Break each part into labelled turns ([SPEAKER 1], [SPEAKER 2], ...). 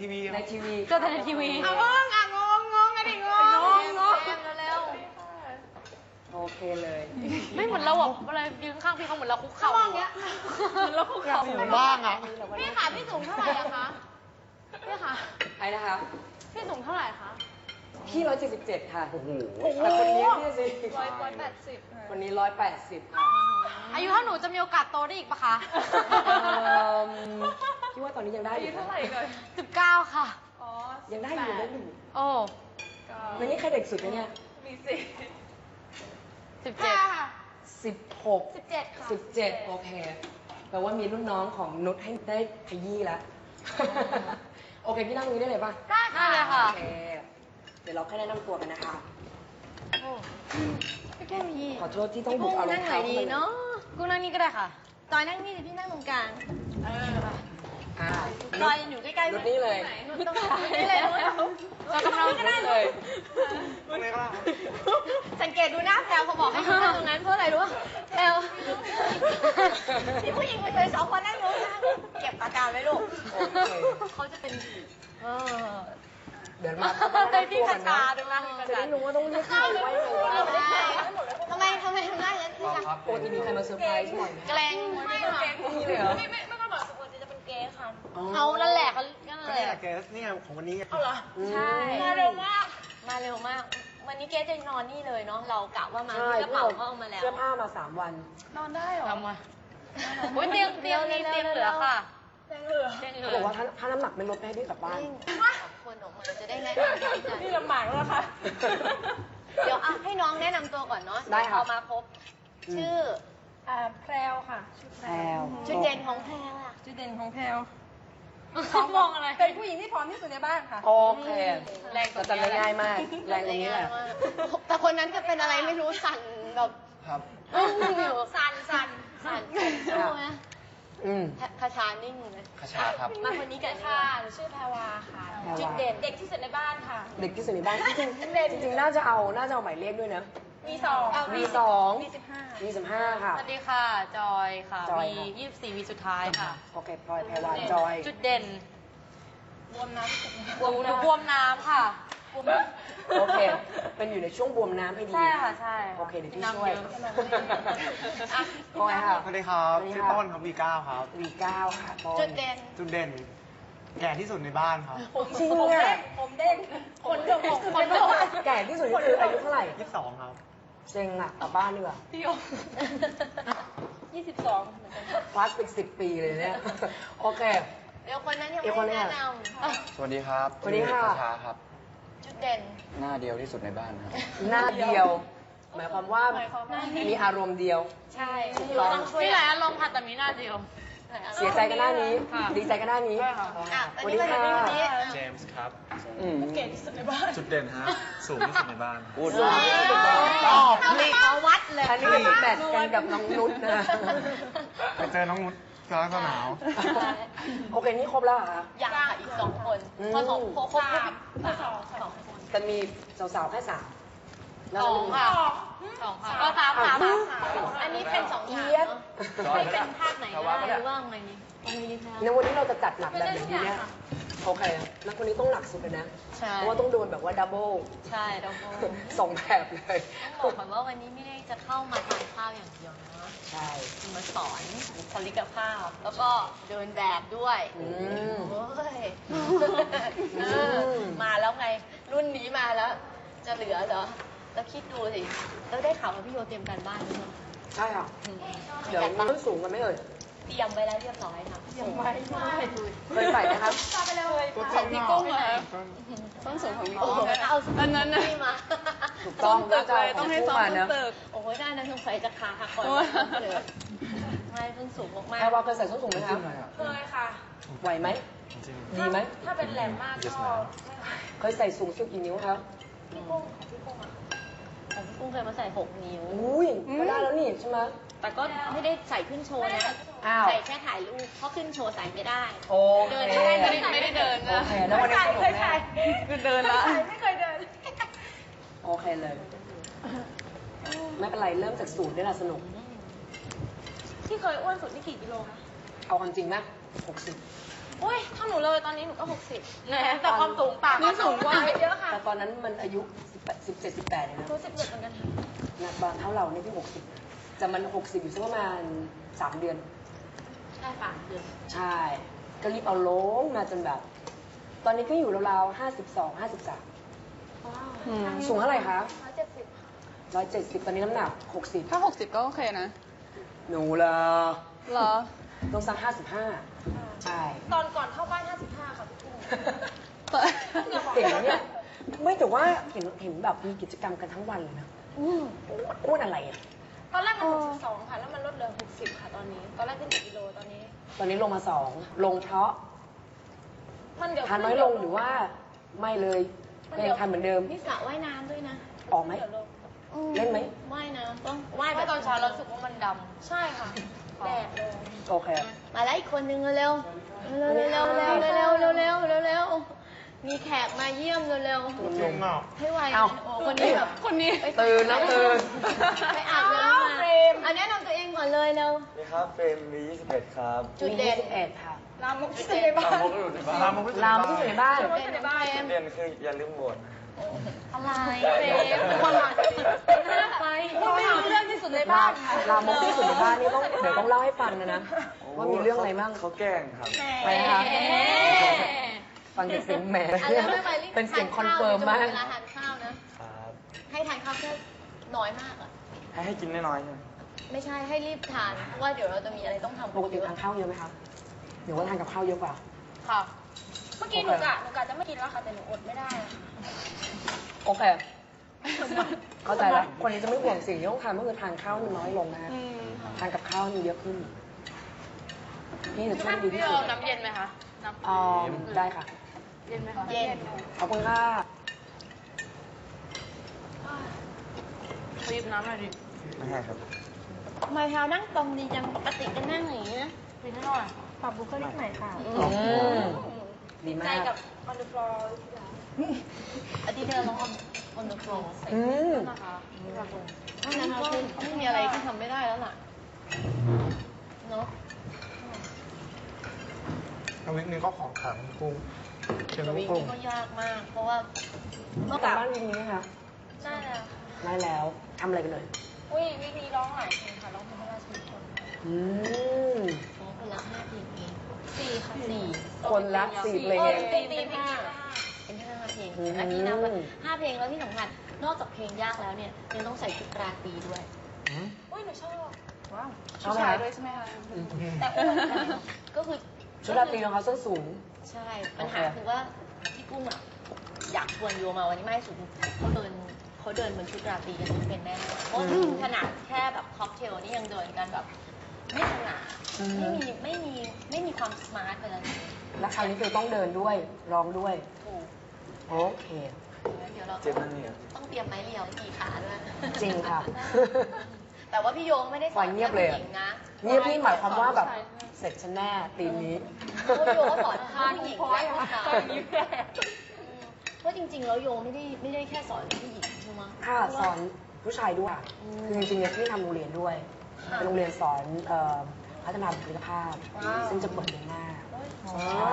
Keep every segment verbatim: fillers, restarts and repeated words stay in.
[SPEAKER 1] ทีวี
[SPEAKER 2] ในทีวี
[SPEAKER 3] ก็แต่ในทีวี
[SPEAKER 4] อ่ะงงอ่ะงงงงกันดิงงงงงงเร็ว
[SPEAKER 2] โอเคเลย
[SPEAKER 3] ไม่เหมือนเราแบบเวลายืนข้างพี่เขาเหมือนเราคุก
[SPEAKER 4] ๆ
[SPEAKER 3] เข่า
[SPEAKER 4] เขามองอย่างเงี้ย
[SPEAKER 3] เหมือนเราคุกเข่า
[SPEAKER 1] บ้างอ่ะ
[SPEAKER 4] พี่ขาพี่สูงเท่าไหร่อะคะพี่ขา
[SPEAKER 2] ไอ้นะคะ
[SPEAKER 4] พี่สูงเท่าไหร่คะ
[SPEAKER 2] พี่ร้อยเจ็ดสิบเจ็ดค่ะ
[SPEAKER 1] โอ้โห
[SPEAKER 2] แต่คนนี้พี่สิ
[SPEAKER 4] ร้อยร้อยแปดสิบ
[SPEAKER 2] คนนี้ร้อยแปดสิบค่ะ
[SPEAKER 3] อายุเท่าหนูจะมีโอกาสโตได้อีกปะคะ
[SPEAKER 2] เอิ่มพี่ว่าตอนนี้ยังได้อยู่นะ
[SPEAKER 3] สิบเก้าค่ะ
[SPEAKER 4] อ๋อ
[SPEAKER 2] ยังได้อยู่ได้อยู่
[SPEAKER 3] โอ้
[SPEAKER 2] แล้วนี่ใครเด็กสุดเนี่ย
[SPEAKER 4] มีสิ
[SPEAKER 3] สิบเจ็ด
[SPEAKER 4] ค่ะ
[SPEAKER 2] สิบหก
[SPEAKER 4] สิบเจ็ดค่ะ
[SPEAKER 2] สิบเจ็ดโอเคแปลว่ามีรุ่นน้องของนุชให้ได้ขยี้แล้ว โอเคพี่นั่งตรงนี้ได้เลยป่ะ
[SPEAKER 4] ได้
[SPEAKER 3] นั่
[SPEAKER 4] ค่ะ
[SPEAKER 3] นเลยค่ะ
[SPEAKER 2] โอเคเดี๋ยวเราแค่แนะนำตัวกันนะคะ
[SPEAKER 3] โอ้พี่แก้มี
[SPEAKER 2] ขอโทษที่ต้องบุกเอารองเท้าเข้ามา
[SPEAKER 3] กูนั่งนี่ก็ได้ค่ะ
[SPEAKER 4] จอยนั่งนี่พี่นั่งตรงกลาง
[SPEAKER 2] อ่า
[SPEAKER 4] จอยอยู่ใกล้ๆ
[SPEAKER 2] นุชนี่เลย
[SPEAKER 4] นุชตรงนี้เลยนุช
[SPEAKER 3] เรากำลัง
[SPEAKER 2] นุชเลย
[SPEAKER 1] ตรงไหนก็ได้
[SPEAKER 4] สังเกตดูหน้าแพลวเขาบอกให้ยืนนั่งตรงนั้นเพราะอะไรรู้ป่ะแพลวมีผู้หญิงเลยสองคนนั่งนู้นนะเก็บอาการไว้ลูก
[SPEAKER 2] โอเค
[SPEAKER 3] เขาจะเป็นเออ
[SPEAKER 2] เดี๋ยวมาเข้ามาแนะนำ
[SPEAKER 3] พี่
[SPEAKER 2] ตัว
[SPEAKER 3] คา
[SPEAKER 2] กัน
[SPEAKER 3] ชา
[SPEAKER 2] นะ
[SPEAKER 3] ดูนะ
[SPEAKER 2] จะได้รู้ว่าต้องเรียกใครไว้เลย
[SPEAKER 4] ทำไมทำไมทำหน้าอย่างนั้นพี่คะ
[SPEAKER 2] ปกติมีใครมาเซอร์ไพรส์บ่อยไหม
[SPEAKER 3] แกล้ง
[SPEAKER 4] ไม่ค่ะ
[SPEAKER 2] นี่เลยเหรอ
[SPEAKER 4] ไม่ไม่ไม่ต้องบอกสุโขทัยจะเป็นเกย์ค่ะ
[SPEAKER 3] เอานั่นแหละเขาก็นั่น
[SPEAKER 1] ก็
[SPEAKER 3] แห
[SPEAKER 1] นี่
[SPEAKER 3] ละ
[SPEAKER 1] แหละแกนี่ไงของวันนี้
[SPEAKER 4] เอาเหรอ
[SPEAKER 3] ใช่
[SPEAKER 4] มาเร็วมาก
[SPEAKER 3] มาเร็วมาก วันนี้เกสจะนอนนี่เลยเนาะ เรากะว่ามา
[SPEAKER 2] ใช่
[SPEAKER 3] ที่กระเป๋าเขาเอามาแล้ว
[SPEAKER 2] เสื้อผ้ามาสามวัน
[SPEAKER 4] นอนได้เหรอ
[SPEAKER 3] ทำมาอุ้ยเตียงเตียงมีเตียงเหลือค่ะ
[SPEAKER 4] แรงเหลือ
[SPEAKER 3] เตียงเหลื
[SPEAKER 2] เขา
[SPEAKER 3] อ
[SPEAKER 2] บอกว่าถ้าถ้าน้ำหนักไม่ลดไม่ให้พี่กลับบ้าน
[SPEAKER 3] คนออกมาจะได้แนะนำกัน
[SPEAKER 4] นี่ลำบากแล้วค่ะ
[SPEAKER 3] เดี๋ยวอ่ะให้น้องแนะนำตัวก่อนเนาะ
[SPEAKER 2] ได้ค่ะ
[SPEAKER 3] เอามาครบ ชื่อ
[SPEAKER 4] อ่าแพรวค่ะชื่อ
[SPEAKER 2] แพรว
[SPEAKER 3] จุดเด่นของแพรอ่ะ
[SPEAKER 4] จุดเด่นของแพรว
[SPEAKER 3] เขามองอะไร
[SPEAKER 4] เป็นผู้หญิงที่พร้อมที่สุดในบ้านค่ะ
[SPEAKER 2] โอเค
[SPEAKER 3] แรงก
[SPEAKER 2] ก็
[SPEAKER 3] ว่า
[SPEAKER 2] จำได้ง่ายมาก แรงตรงนี้แหละ
[SPEAKER 3] แต่คนนั้นจะเป็นอะไรไม่รู้สั่นแบบ
[SPEAKER 1] ครับ
[SPEAKER 3] อึ้งอยู่
[SPEAKER 4] สันสัน
[SPEAKER 3] สั่นสู้ไหม
[SPEAKER 2] อืม
[SPEAKER 3] คาชานิ่งเลย
[SPEAKER 1] คาชาครับ
[SPEAKER 3] มาคนนี้กันดีก
[SPEAKER 4] ค่ะ
[SPEAKER 3] ว่า
[SPEAKER 4] หนูชื่อแพรวาค่ะ
[SPEAKER 2] แพรวา
[SPEAKER 4] จุดเด่นเด็กที่สุดในบ้านค่ะ
[SPEAKER 2] เด็กที่สุดในบ้านจริงๆจริงๆน่าจะเอาน่าจะเอาหมายเลขด้วยนะ
[SPEAKER 4] มีสอง
[SPEAKER 2] มีสอง
[SPEAKER 4] มีสิบห้า
[SPEAKER 2] มีสิบห้าค่ะ
[SPEAKER 3] สวัสดีค่ะ จอยค่ะ
[SPEAKER 2] จอย
[SPEAKER 3] วี
[SPEAKER 2] ค่ะ
[SPEAKER 3] ยี่สิบสี่วีสุดท้ายค่ะ
[SPEAKER 2] โอเคพลอยแพรวาจอย
[SPEAKER 3] จุดเด่น
[SPEAKER 4] บวมน้ำ
[SPEAKER 3] บวมบวมน้ำค่ะ
[SPEAKER 2] โอเค เป็นอยู่ในช่วงบวมน้ำให้ดี
[SPEAKER 3] ใช่ค่ะใช่
[SPEAKER 2] โอเคเดี๋ยวพี่
[SPEAKER 3] น้ำ
[SPEAKER 2] ช่วย
[SPEAKER 3] เยอะ
[SPEAKER 2] อ่ะพลอยค่ะ
[SPEAKER 1] สวัสดีครับ
[SPEAKER 2] สวัสดี
[SPEAKER 1] ชื่อ
[SPEAKER 2] ค่ะ
[SPEAKER 1] ต้นครับวีเก้าครับ
[SPEAKER 2] วีเก้าค่ะต้น
[SPEAKER 4] จุดเด่น
[SPEAKER 1] จุดเด่น แก่ที่สุดในบ้านครับ
[SPEAKER 2] จริง
[SPEAKER 4] ผม
[SPEAKER 2] อ่ะ
[SPEAKER 4] เด้งผมเด้งคนเดียวผม
[SPEAKER 3] คนเดียว
[SPEAKER 2] แก่ที่สุดนี่คืออายุเท่าไหร่
[SPEAKER 1] ยี่สิบสองครับ
[SPEAKER 2] เซ็งอ่ะกลับบ้านดีกว่า
[SPEAKER 4] พี่โอยี่สิบสองเหมือนกัน
[SPEAKER 2] พลาสติกสิบปีเลยเนี่ย โอเค
[SPEAKER 3] เดี๋ยวคนนั้นยัง
[SPEAKER 2] เดี๋ยวคน
[SPEAKER 3] ไม่
[SPEAKER 2] นี้
[SPEAKER 3] แนะ
[SPEAKER 2] อ่ะ
[SPEAKER 3] นำ
[SPEAKER 5] สวัสดีครับ
[SPEAKER 2] สวัสดีค่ะ
[SPEAKER 5] ชื่อคาชาครับ
[SPEAKER 3] จุดเด่น
[SPEAKER 5] หน้าเดียวที่สุดในบ้านครับ
[SPEAKER 2] หน้าเดียว หมายความว่ามีอารมณ์เดียว
[SPEAKER 3] ใช่
[SPEAKER 2] ถูกต้อง
[SPEAKER 3] มีหลายอารมณ์ค่ะแต่มีหน้าเดียว
[SPEAKER 2] เสียใจกันหน้านี้
[SPEAKER 3] ค่ะ
[SPEAKER 2] ดีใจกันหน้านี้
[SPEAKER 3] ใช่ค่ะ
[SPEAKER 2] อ๋อ
[SPEAKER 3] อ่ะ
[SPEAKER 2] ส
[SPEAKER 3] อัน
[SPEAKER 2] วัส
[SPEAKER 3] นี้
[SPEAKER 2] ดี
[SPEAKER 3] ก็จะ
[SPEAKER 2] ค่ะ
[SPEAKER 3] มีคนนี้
[SPEAKER 6] เจมส์ครับ
[SPEAKER 2] อืม
[SPEAKER 4] เก่งที่สุดในบ้าน
[SPEAKER 6] จุดเด่นฮะ สูงที่สุดในบ้าน
[SPEAKER 5] พูด
[SPEAKER 2] สูงที่สุดในบ้าน
[SPEAKER 1] ตอบ
[SPEAKER 3] เข้าไปขอวัดเลย
[SPEAKER 2] อันนี้เป็นแมทช์กันกับน้องนุชนะ
[SPEAKER 1] ไปเจอน้องนุชกลางสนาม
[SPEAKER 2] โอเค นี่ครบแล้วเหรอคะ
[SPEAKER 3] ยังค่ะอีกสองคน
[SPEAKER 2] อืม
[SPEAKER 3] พอสองครบครบ
[SPEAKER 4] สามสองสอง
[SPEAKER 2] แต่มีสาวๆแค่สาม
[SPEAKER 3] สองค่ะสองค่ะก็สามสามอันนี้เป็นสอง
[SPEAKER 2] เอี
[SPEAKER 3] ฉาก
[SPEAKER 2] ยด
[SPEAKER 3] เนาะใครเป็นภาคไหนก็ได้หรือว่าไงนี่ตรงนี้แท้
[SPEAKER 2] ในวันนี้เราจะจัดหนักแบบไหนดีเนี่ย โอเค แล้วคนนี้ต้องหนักสุดเลยนะ
[SPEAKER 3] ใช่
[SPEAKER 2] เพราะว่าต้องโดนแบบว่าดับเบิล
[SPEAKER 3] ใช่เราก็
[SPEAKER 2] สองแบบเลย
[SPEAKER 3] ต้องบอกก่อนว่าวันนี้ไม่ได้จะเข้ามาทานข้าวอย่างเดียวนะ
[SPEAKER 2] ใช่
[SPEAKER 3] มาสอนบุคลิกภาพ แล้วก็เดินแบบด้วย
[SPEAKER 2] อืม
[SPEAKER 3] โอ้ย
[SPEAKER 2] อืม
[SPEAKER 3] เออมาแล้วไง รุ่นนี้มาแล้ว จะเหลือเหรอ แล้วคิดดูสิ แล้วได้ข่าวว่าพี่โยเตรียมการบ้านด้วย
[SPEAKER 2] ใช่ค่ะ
[SPEAKER 3] อืม
[SPEAKER 2] เดี๋ยวต้นสูงกันไหมเอ่ย
[SPEAKER 3] เตรียมไว้แล้วเรียบร้อยค่ะเตรียมไว้
[SPEAKER 2] เคยใส่ไหมครับ
[SPEAKER 4] ไปเลย
[SPEAKER 3] ของพี่กุ้งเหรอ
[SPEAKER 4] ต้นสูงของพี่
[SPEAKER 3] โอ้
[SPEAKER 4] กุ้ง
[SPEAKER 3] โหเอาอันนั้นนะมา
[SPEAKER 2] ถูกต้องน่าจะเอาของคู่มาเนอะ
[SPEAKER 3] โอ้โหได้นะสงสัยจะขาหักก่อนเลยไม่เพิ่งสูงมาก
[SPEAKER 2] แพรวาเคยใส่ส้นสูงไหมครับ
[SPEAKER 4] เคยค่ะ
[SPEAKER 2] ไหวไหม
[SPEAKER 6] จริง
[SPEAKER 2] ดีไหม
[SPEAKER 4] ถ้าเป็นแหลมมากก็
[SPEAKER 6] Yes, ma'am
[SPEAKER 2] เคยใส่สูงสุดกี่นิ้วครับ
[SPEAKER 4] พี่กุ้งของพี่กุ้งอะ
[SPEAKER 3] ๆของพี่กุ้งเคยมาใส่หกนิ้ว
[SPEAKER 2] อุ้ยก็ได้แล้วนี่ใช่ไหม
[SPEAKER 3] แต่ก็ไม่ได้ใส่ขึ้นโชว์นะ
[SPEAKER 2] อ้าว
[SPEAKER 3] ใส่แค่ถ่ายรูป เพราะขึ้นโชว์ใส่ไม่ได้
[SPEAKER 2] โอเค
[SPEAKER 3] เดินไม่ได้ไม่ได้ไม่ได้เดินนะ
[SPEAKER 2] โอเคแล้ววันนี้สนุกแน่
[SPEAKER 3] คือเดินละ
[SPEAKER 4] ไม่เคยเดิน
[SPEAKER 2] โอเคเลย ไม่เป็นไรเริ่มจากสูตรได้ละสนุก
[SPEAKER 4] ที่เคยอ้วนสุดนี่กี่กิโลคะ
[SPEAKER 2] เอาความจริงไหมหกสิบ
[SPEAKER 4] อุ้ยถ้าหนูเลยตอนนี้หนูก็หกสิบแหมแต่ความสูงต่างนี่สูงกว่าเยอะค่ะ
[SPEAKER 2] แต่ตอนนั้นมันอายุสิบเจ็ดสิบแปดเลยนะ
[SPEAKER 4] หนูสิบเจ็ดเหมือนกันค่ะ
[SPEAKER 2] หนักบางเท่าเราเนี่ยพี่หกสิบจะมันหกสิบอยู่สักประมาณสามเดือน
[SPEAKER 3] ใช่ป่ะเดือน
[SPEAKER 2] ใช่ ก็รีบเอาลงมาจนแบบ ตอนนี้ก็อยู่ราวๆห้าสิบสองห้าสิบสามสูงเท่าไหร่คะ
[SPEAKER 4] ร้อยเจ็ดสิบ
[SPEAKER 2] ร้อยเจ็ดสิบตอนนี้น้ำหนักหกสิบ
[SPEAKER 5] ถ้าหกสิบก็โอเคนะ
[SPEAKER 2] หนูละ
[SPEAKER 5] เหรอ
[SPEAKER 2] ต้องสักห้าสิบห้าใช่
[SPEAKER 4] ตอนก่อนเข้าบ้านห้าสิบห้าค่ะพี่กุ้ง
[SPEAKER 2] เก่งนะเนี่ย ไม่แต่ว่าเห็นเห็นแบบมีกิจกรรมกันทั้งวันเลยนะอ้วนอะไรอ่ะ
[SPEAKER 4] ตอนแรกมันหกสิบสองค่ะ แล้วมันลดเหลือหกสิบค่ะตอนนี้ ตอนแรกขึ้นหนึ่งกิโลตอนนี้
[SPEAKER 2] ตอนนี้ลงมาสองลงเพราะ
[SPEAKER 4] มันเดี๋ยว
[SPEAKER 2] ทานน้อยลงหรือว่าไม่เลยก็ยังทานเหมือนเดิม
[SPEAKER 3] นี่สระว่ายน้ำด้วยนะ
[SPEAKER 2] ออกไหม
[SPEAKER 4] เดี๋ยวลง
[SPEAKER 2] เล่นไหม
[SPEAKER 3] ว่ายน้ำต้องว่าย
[SPEAKER 4] ไม่
[SPEAKER 3] แบบ
[SPEAKER 4] ตอนเช้าเรารู้สึกว่ามันดำ ใช่ค่ะ แดดลง
[SPEAKER 2] โอเค
[SPEAKER 3] มาแล้วอีกคนนึงเร็วๆเร็วๆเร็วๆเร็วๆเร็วๆเร็วๆเร็วๆเร็วๆเร็วๆมีแขกมาเยี่ยมเร็ว
[SPEAKER 1] จริงเปล่า
[SPEAKER 3] ๆให้ไว
[SPEAKER 2] เอ้า
[SPEAKER 3] โอ้คนนี้แบบ
[SPEAKER 5] คนนี้
[SPEAKER 2] ตื่นนะตื่น
[SPEAKER 3] ไปอาบน้ำมาอันแนะนำตัวเองก่อนเลยเร็ว
[SPEAKER 7] นี่ครับเฟรมมียี่สิบเอ็ดครับ
[SPEAKER 3] จุดเด่น
[SPEAKER 2] มียี่สิบเอ็ดค่ะ
[SPEAKER 4] ลามกที่สุดในบ้าน
[SPEAKER 7] ตามมกอยู่ในบ้าน
[SPEAKER 1] ลามกที่สุด
[SPEAKER 2] ลามที่สุดในบ้าน
[SPEAKER 3] จุดเด่นในบ้าน
[SPEAKER 7] จุดเด่นคืออย่าลืมโหวต
[SPEAKER 3] อะไร
[SPEAKER 7] เฟรม
[SPEAKER 3] คนมาไป
[SPEAKER 4] ไม่รู้เรื่องที่สุดใน
[SPEAKER 2] ลา
[SPEAKER 4] บ้าน
[SPEAKER 2] ลามกที่สุดในบ้านนี่ต้องเดี๋ยวต้องเล่าให้ฟังนะนะ ว่ามีเรื่องอะไรบ้าง
[SPEAKER 7] เขาแกล้งครับ
[SPEAKER 2] ไปนะคะฟังจากเสียงแหม
[SPEAKER 3] อันแล้วไม่ไปรีบ
[SPEAKER 2] เป็นเสียงคอนเฟิร์มมาก
[SPEAKER 3] เวลาทานข้าวนะ
[SPEAKER 7] ครับ
[SPEAKER 3] ให้ทานข้าวแค่น้อยมากอ่ะ
[SPEAKER 7] ให้ให้กินน้อยๆใช่ไหม
[SPEAKER 3] ไม่ใช่ให้รีบทาน เพราะว่าเดี๋ยวเราจะมีอะไรต้องทำ
[SPEAKER 2] ปกติทานข้าวเยอะไหมคะหรือว่าทานกับข้าวเยอะกว่า
[SPEAKER 4] ค่ะ เมื่อกี้หนูกะหนูกะจะไม่กินแล้วค่ะ แต่หนูอดไม่ได้
[SPEAKER 2] โอเค เข้าใจแล้ว คนนี้จะไม่ห่วงสิ่งที่ต้องทานก็คือทานข้าวให้มันน้อยลงนะฮะทานกับข้าวให้มันเยอะขึ้น พี่จะช่วยดีที่สุด
[SPEAKER 4] น้ำเย็นไหมคะ น้ำ
[SPEAKER 2] อ๋อได้ค่ะ
[SPEAKER 4] เย็นไหมคะ
[SPEAKER 3] เย็น
[SPEAKER 2] ขอบคุณค่ะ
[SPEAKER 4] ขอหยิบน้ำหน่อยดิ
[SPEAKER 7] ไม่ให้ครับ
[SPEAKER 3] ทำไมแพลวนั่งตรงดีจังปกติก็นั่งอย่างนี้นะ
[SPEAKER 4] ปิดให้หน่อยปรับบุคลิกหน่อยค่ะ
[SPEAKER 2] อืมดีมา
[SPEAKER 3] ใจ
[SPEAKER 2] ก
[SPEAKER 3] กับ
[SPEAKER 4] ออนเดอะฟลอร์
[SPEAKER 3] อาทิตย์ที่เราลองออนเดอะโฟล์
[SPEAKER 2] อืม
[SPEAKER 4] นะคะปรับบุ
[SPEAKER 3] เพราะฉะนั้นก็ไม่มีอะไรที่ทำไม่ได้แล้วล่ะ เนอะ
[SPEAKER 1] ทวิกนี้ก็ของขลังกุ้งเชียง
[SPEAKER 3] วิ่
[SPEAKER 1] กุ้
[SPEAKER 3] ง
[SPEAKER 1] ง
[SPEAKER 3] ก็ยากมาก เพราะว่า
[SPEAKER 2] ต้องกลับบ้านวินนี้ไหมคะ
[SPEAKER 4] ใช่แล้ว
[SPEAKER 2] ได้แล้วทำอะไรกันเลย
[SPEAKER 4] อุ้ยวิกนี้ร้องหลายเพลงค่ะ ร้องเพลงพระราชนิพนธ์
[SPEAKER 2] อืม
[SPEAKER 3] ของคนละห้าเพลงเอง
[SPEAKER 4] สี่ค่ะ
[SPEAKER 3] สี่
[SPEAKER 2] คนละสี่เพลง
[SPEAKER 3] เอ
[SPEAKER 2] เอ
[SPEAKER 3] อง ตีตีเพลงเป็นห้าเพลง
[SPEAKER 2] อืม
[SPEAKER 3] อาทิตย์นับวันห้าเพลงแล้วที่สำคัญ นอกจากเพลงยากแล้วเนี่ยยังต้องใส่ชุดราตรีด้วย
[SPEAKER 4] อุ้ยหนูชอบ ว้าว
[SPEAKER 2] ชอบไหม
[SPEAKER 5] ชาย
[SPEAKER 2] คะ
[SPEAKER 5] ด้วยใช่ไหมคะ
[SPEAKER 3] แต่อ้วนนะก็คือ
[SPEAKER 2] ชุดราตรีของเขาส้นสูง
[SPEAKER 3] ใช่ ปัญหาคือว่าพี่กุ้งอ่ะอยากชวนโยมาวันนี้ไม่ให้สุดเขาเดินเขาเดินบนชุดราตรีกันไม่เป็นแน่เพราะขนาดแค่แบบค็อกเทลนี่ยังเดินกันแบบ ไม่สง่า
[SPEAKER 2] อืม
[SPEAKER 3] ไม่มีไม่มีไม่มีความสมาร์ทไปแล้ว
[SPEAKER 2] และคราวนี้คือต้องเดินด้วยร้องด้วย
[SPEAKER 3] ถูก
[SPEAKER 2] โอเค
[SPEAKER 3] เดี๋ยวเรา
[SPEAKER 7] เจ็บนั่นเนี่ย
[SPEAKER 3] ต้องเตรียมไม้เรียวกี่ขาด้วย
[SPEAKER 2] จริงค่ะ
[SPEAKER 3] แต่ว่าพี่โยงไม่ได้ส
[SPEAKER 2] ปล่
[SPEAKER 3] อ
[SPEAKER 2] อย
[SPEAKER 3] น
[SPEAKER 2] เงียบเลย
[SPEAKER 3] แค่
[SPEAKER 2] อะ
[SPEAKER 3] ผู้หญิงนะ
[SPEAKER 2] เงียบนี่หมายความว่าแบบเสร็จฉันแน่ตีมนี้
[SPEAKER 3] เพราะโยก็สอนทั้งผู้หญิงและผู้ชายเพราะจริงๆแล้วโยไม่ได้ไม่ได้แค่สอนผู้หญิงใช่ไหม
[SPEAKER 2] ค่ะสอนผู้ชายด้วย
[SPEAKER 3] อืม
[SPEAKER 2] คือจริงๆเนี่ยที่ทำโรงเรียนด้วย
[SPEAKER 3] ค่ะ
[SPEAKER 2] เป็นโรงเรียนสอนเอ่อพัฒนาบุคลิกภาพ
[SPEAKER 3] ว้าว
[SPEAKER 2] ซึ่งจะเปิดเดือนหน้า
[SPEAKER 3] อ๋อ
[SPEAKER 2] ใช่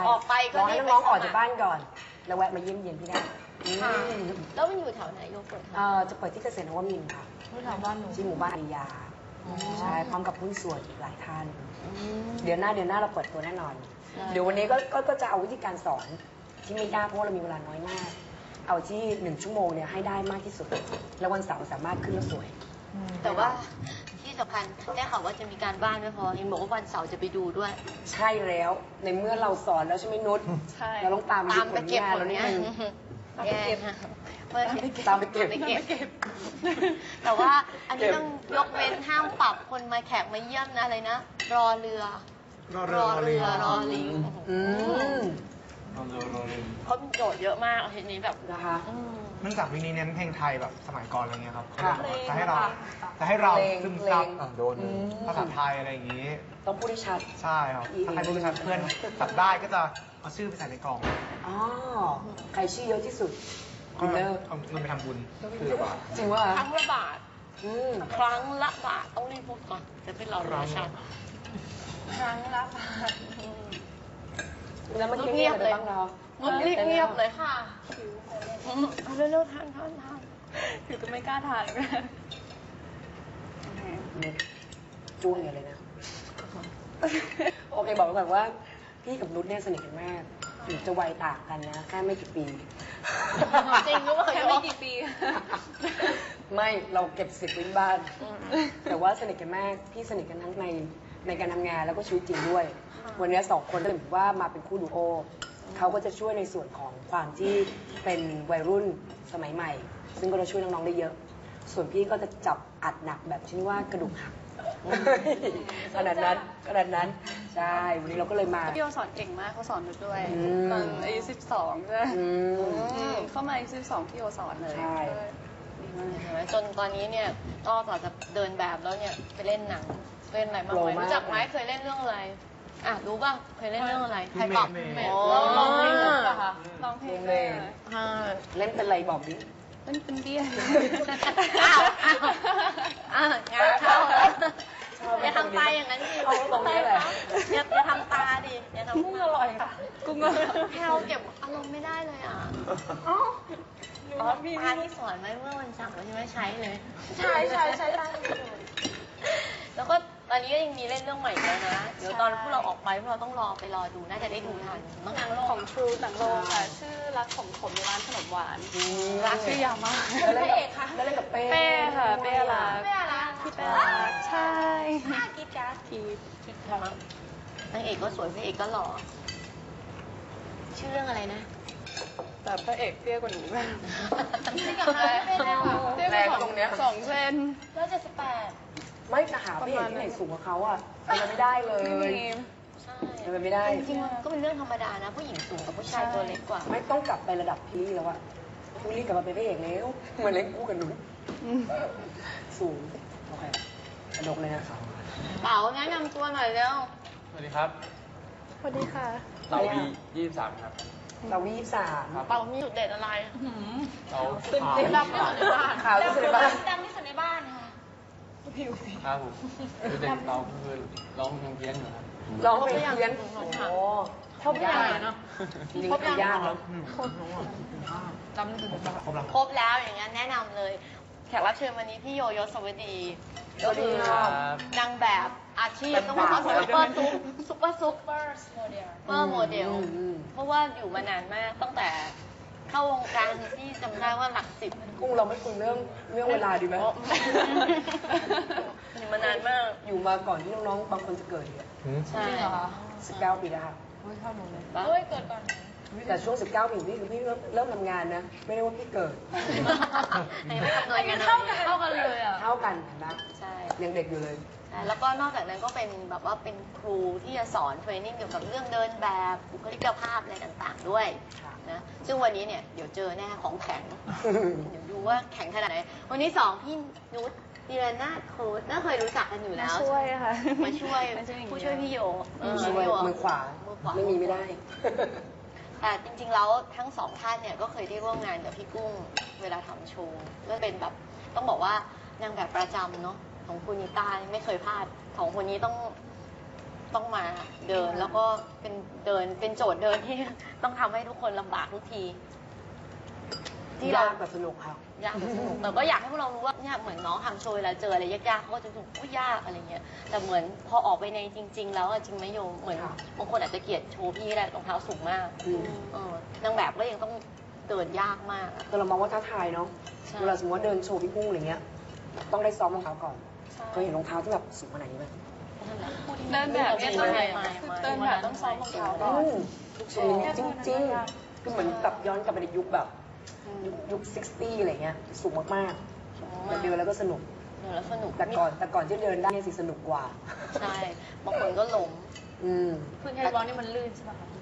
[SPEAKER 3] ออกไปก็
[SPEAKER 2] รอให้
[SPEAKER 3] รีบ
[SPEAKER 2] น้องๆออก
[SPEAKER 3] ไปสมัคร
[SPEAKER 2] จากบ้านก่อน แล้วแวะมาเยี่ยมเยียนพี่ได้อืม
[SPEAKER 3] ค่ะแล้วมันอยู่แถวไหนโยเปิด
[SPEAKER 2] เอ่อจะเปิดที่เกษตรนวมินทร์ค่ะ
[SPEAKER 3] แถวบ้านหนู
[SPEAKER 2] ที่หมู่บ้านอาริยา
[SPEAKER 3] อ๋อ
[SPEAKER 2] ใช่พร้อมกับหุ้นส่วนอีกหลายท่าน
[SPEAKER 3] อืม
[SPEAKER 2] เดือนหน้าเดือนหน้าเราเปิดตัวแน่นอน
[SPEAKER 3] ใช่
[SPEAKER 2] เดี๋ยววันนี้ก็ก็ก็จะเอาวิธีการสอนที่ไม่ยากเพราะว่าเรามีเวลาน้อยมาก เอาที่หนึ่งชั่วโมงเนี่ยให้ได้มากที่สุด แล้ววันเสาร์สามารถขึ้นแล้วสวย
[SPEAKER 3] แต่ว่าที่สำคัญได้ข่าวว่าจะมีการบ้านไม่พอเห็นบอกว่าวันเสาร์จะไปดูด้วย
[SPEAKER 2] ใช่แล้ว ในเมื่อเราสอนแล้วใช่ไหมนุช
[SPEAKER 5] ใช่
[SPEAKER 2] เราต้องตาม
[SPEAKER 3] ตามไปเก็บ
[SPEAKER 2] ผ
[SPEAKER 3] ผ
[SPEAKER 2] ล
[SPEAKER 3] ล
[SPEAKER 2] งาน
[SPEAKER 3] งาน
[SPEAKER 2] เรานิดนึง
[SPEAKER 3] แย่ค่ะเพื่อ
[SPEAKER 2] ตามไปเก็บ
[SPEAKER 3] ตามไปเก็บ แต่ว่าอันนี้ต้องยกเว้นห้ามปรับคนมาแขกมาเยี่ยมนะอะไรนะ รอเรือ
[SPEAKER 1] รอเรือรอลิง
[SPEAKER 3] รอลิง
[SPEAKER 2] อืม
[SPEAKER 3] เขามีโจทย์เยอะมากเอาทีนี้แบบ
[SPEAKER 2] นะคะ
[SPEAKER 3] อืม
[SPEAKER 1] เนื่องจากวิกนี้เน้นเพลงไทยแบบสมัยก่อนอะไรเงี้ยครับ
[SPEAKER 2] ค่ะ
[SPEAKER 1] จะให้เราจะให้เรา
[SPEAKER 2] เพลง
[SPEAKER 1] ซึมซับ
[SPEAKER 2] เพลง
[SPEAKER 7] อ่ะโดน
[SPEAKER 2] อืม
[SPEAKER 1] ภาษาไทยอะไรอย่างงี้
[SPEAKER 2] ต้องพูดให้ชัด
[SPEAKER 1] ใช่ครับ ถ้าใครรู้ชัดเพื่อนจับได้ก็จะเอาชื่อไปใส่ในกล่อง
[SPEAKER 2] อ๋อ ใครชื่อเยอะที่สุด
[SPEAKER 1] ก็
[SPEAKER 2] วินเนอร์
[SPEAKER 1] เอาเงินไปทำบุญคือแบบว่า
[SPEAKER 2] จริงว่า
[SPEAKER 3] ครั้งละบาท
[SPEAKER 2] อืม
[SPEAKER 3] ครั้งละบาทต้องรีบพูดก่อนจะเป็นเราเรือชัน
[SPEAKER 4] ครั้งละบาท
[SPEAKER 3] อืม
[SPEAKER 2] แล้วมันเงียบๆเลยบ้างเนาะ
[SPEAKER 3] เงียบเงียบๆเลยค่ะเอาเร็วๆทานทานทาน
[SPEAKER 5] อยู่จะไม่กล้าทานเลย
[SPEAKER 2] จ้วงอย่างเลยนะ โอเคบอกไว้ก่อนว่า พี่กับนุชเนี่ยสนิทกันมากถึงจะวัยต่างกันนะ แค่ไม่กี่ปี
[SPEAKER 3] จริงหรือเปล่า
[SPEAKER 5] แค่ไม่กี่ปี
[SPEAKER 2] ไม่เราเก็บสิบวินบ้าน แต่ว่าสนิทกันมาก พี่สนิทกันทั้งในในการทำงานแล้วก็ชีวิตจริงด้วย วันนี้สองคนก็เลยถือว่ามาเป็นคู่ดูโอเขาก็จะช่วยในส่วนของความที่เป็นวัยรุ่นสมัยใหม่ ซึ่งก็จะช่วยน้องๆได้เยอะ ส่วนพี่ก็จะจับอัดหนักแบบที่ว่ากระดูกหัก ขนาดนั้นขนาดนั้น ใช่ วันนี้เราก็เลยมา
[SPEAKER 5] พี่โอสอนเก่งมากเขาสอนหนูด้วย
[SPEAKER 2] อืม
[SPEAKER 5] ตอนอายุสิบสองใช่ไหม
[SPEAKER 2] อืม
[SPEAKER 5] อืมเข้ามาอายุสิบสองพี่โอสอนเลย
[SPEAKER 2] ใช่
[SPEAKER 5] ดีมาก
[SPEAKER 3] เห็นไหมจนตอนนี้เนี่ยนอกจากจะเดินแบบแล้วเนี่ยไปเล่นหนังเล่นอะไรบ้างไหมรู้จักไหมเคยเล่นเรื่องอะไรอ่ะรู้ป่ะเคยเล่นเรื่องอะไรไทยป๊อป
[SPEAKER 1] เมย์
[SPEAKER 3] โอ้
[SPEAKER 5] ร้องเพลงปุ๊บอะค่ะร้องเพลงเลย
[SPEAKER 3] อ่า
[SPEAKER 2] เล่นเป็นอะไรบอกดิ
[SPEAKER 5] เป็นเป็นเบี้ย
[SPEAKER 3] อ้าวอ้าวอ้าวงานเข้าแล้วอย่าทำตาอย่างนั้นดิ
[SPEAKER 2] เอาตรงนี้แหละ
[SPEAKER 3] อย่าอย่าทำตาดิอย่าทำ
[SPEAKER 5] กุ้งอร่อยค่ะ กุ้งอร่อย
[SPEAKER 3] แพลวเก็บอารมณ์ไม่ได้เลยอ่ะ
[SPEAKER 5] อ๋อ
[SPEAKER 3] อ๋อตาที่สอนไว้เมื่อวันเสาร์ใช่ไหมใช้เลย
[SPEAKER 4] ใช่ใช่ใช่ใช่
[SPEAKER 3] แล้วก็ตอนนี้ก็ยังมีเล่นเรื่องใหม่แล้วนะ เดี๋ยวตอนพวกเราออกไปพวกเราต้องรอไปรอดู น่าจะได้ดูทันมั้ง
[SPEAKER 5] หนังของ True หนังโรงค่ะ ชื่อรักของผมในร้านขนมหวาน
[SPEAKER 2] รัก
[SPEAKER 5] ชื่อยาวมาก
[SPEAKER 2] แล้วเล่นกับแล้วเล่นกับเป้
[SPEAKER 5] เป้ค่ะ เป้รัก
[SPEAKER 4] ไม่อะไร
[SPEAKER 5] พี่เป้รักใช่
[SPEAKER 4] น่ากินจ้ะ
[SPEAKER 5] ที
[SPEAKER 3] นางเอกก็สวยพระเอกก็หล่อ ชื่อเรื่องอะไรนะ
[SPEAKER 5] แต่พระเอกเตี้ยกว่าหนูมาก
[SPEAKER 3] ชื่อกับอะไรไม่ได้ค่ะ
[SPEAKER 5] เตี้ยกว่าสองสองเซน
[SPEAKER 3] ร้อยเจ็ดสิบแปด
[SPEAKER 2] ไม่จะหาพี่เอกที่ไหนสูงกว่าเขาอ่ะเป็นไปไม่ได้เลย
[SPEAKER 5] ไม่มี
[SPEAKER 3] ใช่
[SPEAKER 2] เป็นไปไม่ได้
[SPEAKER 3] จริงๆมันก็เป็นเรื่องธรรมดานะ ผู้หญิงสูงกับผู้ชายตัวเล็กกว่า
[SPEAKER 2] ไม่ต้องกลับไประดับพี่ลี่แล้วอะพี่ลี่กลับมาเป็นพระเอกแล้วมาเล่นคู่กับหนู
[SPEAKER 5] อืม
[SPEAKER 2] สูง โอเคกระดกเลยนะครับ
[SPEAKER 3] เป๋าแนะนำตัวหน่อยเร็ว
[SPEAKER 6] สวัสดีครับ
[SPEAKER 5] สวัสดีค่ะ
[SPEAKER 6] เราวียี่สิบสามครับ
[SPEAKER 2] เราวีสาม
[SPEAKER 3] เป๋ามีจุดเด่นอะไร
[SPEAKER 6] เรา
[SPEAKER 3] ดำที่สุดในบ้าน
[SPEAKER 2] ขาวที่สุดในบ้าน
[SPEAKER 3] ดำที่สุดในบ้านค่ะ
[SPEAKER 6] ครับผมคือเด็กเราคือร้องเพลงเพี้ยนอยู่ครับ
[SPEAKER 2] ร้องเพลงเพี้ยน
[SPEAKER 3] คร
[SPEAKER 2] โอ้
[SPEAKER 3] บ
[SPEAKER 2] โห
[SPEAKER 3] ครบยังไงเนาะ
[SPEAKER 2] จริงๆคือยากแล้ว
[SPEAKER 3] ครบแล้วอย่างนั้นแนะนำเลย แขกรับเชิญวันนี้พี่โยยศวดี
[SPEAKER 2] สวัสดีครับ
[SPEAKER 3] นางแบบอาชีพต้องบอกว่าซุปเปอร์ซุปซุปเปอร์ซุปเปอร์โมเดลเปอร์โมเดล
[SPEAKER 2] อืม
[SPEAKER 3] เพราะว่าอยู่มานานมากตั้งแต่เข้าวงการที่จำได้ว่าหลักสิบ
[SPEAKER 2] กุ้งเราไม่คุยเรื่องเรื่องเวลาดีไหม
[SPEAKER 3] อยู่มานานมาก
[SPEAKER 2] อยู่มาก่อนที่น้องๆ บางคนจะเกิดเนี่ย
[SPEAKER 3] ใช่
[SPEAKER 2] สิบเก้าปีแล้วค่ะ
[SPEAKER 3] เฮ้ยเกิดก่อน
[SPEAKER 2] แต่ช่วงสิบเก้าปีนี่คือพี่เริ่มเริ่มทำงานนะ ไม่ได้ว่าพี่เกิด
[SPEAKER 3] ไหนไม่ทำเลยกันเท่ากันเท่ากันเลยอ่ะ
[SPEAKER 2] เท่ากันนะ
[SPEAKER 3] ใช่
[SPEAKER 2] ยังเด็กอยู่เลย
[SPEAKER 3] ใช่แล้วก็นอกจากนั้นก็เป็นแบบว่าเป็นครูที่จะสอนเทรนนิ่งเกี่ยวกับเรื่องเดินแบบบุคลิกภาพอะไรต่างๆด้วย
[SPEAKER 2] ค่ะ
[SPEAKER 3] นะซึ่งวันนี้เนี่ยเดี๋ยวเจอแน่ของแข็ง เดี๋ยวดูว่าแข็งขนาดไหน วันนี้สองพี่นุชดิรนาถโค้ชน่าเคยรู้จักกันอยู่แล้ว
[SPEAKER 5] ช่วยค่ะ
[SPEAKER 3] มาช่วย
[SPEAKER 5] มาช่วยอย่างเดียว
[SPEAKER 3] ผู้ช่วยพี่โยเออ
[SPEAKER 2] ช่วย
[SPEAKER 3] พี่โย
[SPEAKER 2] มือขวา
[SPEAKER 3] มือขวา
[SPEAKER 2] ไม่มีไม่ได้
[SPEAKER 3] แต่จริงๆแล้วทั้งสองท่านเนี่ยก็เคยได้ร่วมงานกับพี่กุ้งเวลาทำโชว์ก็เป็นแบบต้องบอกว่านางแบบประจำเนาะของคุณนิต้าไม่เคยพลาดของคนนี้ต้องต้องมาเดินแล้วก็เป็นเดินเป็นโจทย์เดินที่ ต้องทำให้ทุกคนลำบากทุกที ที่เรา
[SPEAKER 2] ยากแต่สนุกค่ะ
[SPEAKER 3] ยากแต่สนุกแต่ก็อยากให้พวกเรารู้ว่าเนี่ยเหมือนน้องทำโชว์เวลาเจออะไรยากๆเขาก็จะถูกอุ้ยยากอะไรเงี้ยแต่เหมือนพอออกไปในจริง ๆ แล้วอะจริงไหมโยมเหมือน
[SPEAKER 2] ค่ะ
[SPEAKER 3] บางคนอาจจะเกลียดโชว์พี่แหละรองเท้าสูงมาก
[SPEAKER 2] อืม
[SPEAKER 3] เออนางแบบก็ยังต้องเดินยากมากอะ
[SPEAKER 2] แต่เรามองว่าท้าทายเนาะ
[SPEAKER 3] ใช่
[SPEAKER 2] เวลาสมมติว่าเดินโชว์พี่กุ้งอะไรเงี้ย ต้องได้ซ้อมรองเท้าก่อน
[SPEAKER 3] ใช่
[SPEAKER 2] เคยเห็นรองเท้าที่แบบสูงขนาดนี้ไหม
[SPEAKER 5] เดินแบบเนี่ยต้อง
[SPEAKER 3] ไม่ไม่ไม่
[SPEAKER 5] เดินแบบต้องซ้อมรองเท้าก่อน
[SPEAKER 2] อืมสูงจริงจริงๆคือเหมือนแบบย้อนกลับไปในยุคแบบยุคยุคซิกตี้อะไรเงี้ย สูงมากๆแต่เดินแล้วก็สนุก
[SPEAKER 3] เดินแล้วสนุก
[SPEAKER 2] แต่ก่อนแต่ก่อนที่เดินได้เนี่ยสิสนุกกว่า
[SPEAKER 3] ใช่บางคนก็ล้ม
[SPEAKER 2] อืม
[SPEAKER 3] พื้นที่ร้อนนี่มันลื่นใช่ไหมคะ